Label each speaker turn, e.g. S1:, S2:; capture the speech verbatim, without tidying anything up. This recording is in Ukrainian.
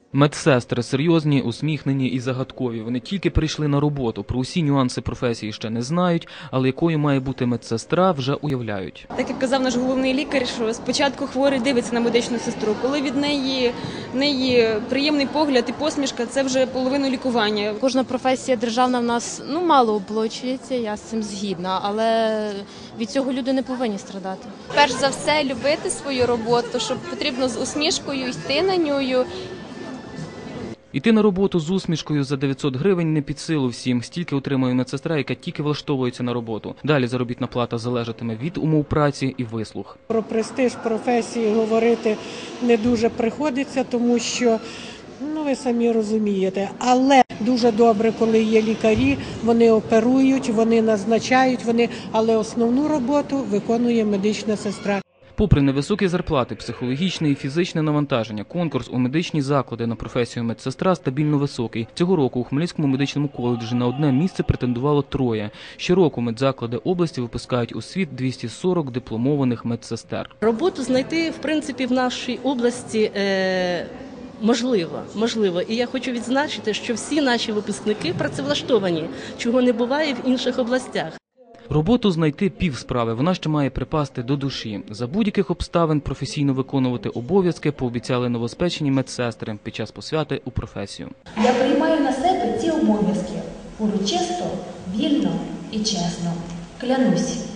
S1: Медсестри серйозні, усміхнені і загадкові. Вони тільки прийшли на роботу. Про усі нюанси професії ще не знають, але якою має бути медсестра, вже уявляють.
S2: Так як казав наш головний лікар, що спочатку хворий дивиться на медичну сестру. Коли від неї, в неї приємний погляд і посмішка, це вже половина лікування.
S3: Кожна професія державна в нас ну, мало оплачується, я з цим згідна, але від цього люди не повинні страдати.
S4: Перш за все, любити свою роботу, щоб потрібно з усмішкою йти на нею.
S1: Іти на роботу з усмішкою за дев'ятсот гривень не під силу всім. Стільки отримує медсестра, яка тільки влаштовується на роботу. Далі заробітна плата залежатиме від умов праці і вислуг.
S5: Про престиж професії говорити не дуже приходиться, тому що, ну ви самі розумієте, але дуже добре, коли є лікарі, вони оперують, вони назначають, вони, але основну роботу виконує медична сестра.
S1: Попри невисокі зарплати, психологічне і фізичне навантаження, конкурс у медичні заклади на професію медсестра стабільно високий. Цього року у Хмельницькому медичному коледжі на одне місце претендувало троє. Щороку медзаклади області випускають у світ двісті сорок дипломованих медсестер.
S6: Роботу знайти, в принципі, в нашій області е можливо, можливо. І я хочу відзначити, що всі наші випускники працевлаштовані, чого не буває в інших областях.
S1: Роботу знайти півсправи, вона ще має припасти до душі. За будь-яких обставин професійно виконувати обов'язки пообіцяли новоспечені медсестри під час посвяти у професію.
S7: Я приймаю на себе ці обов'язки урочисто, вільно і чесно. Клянусь.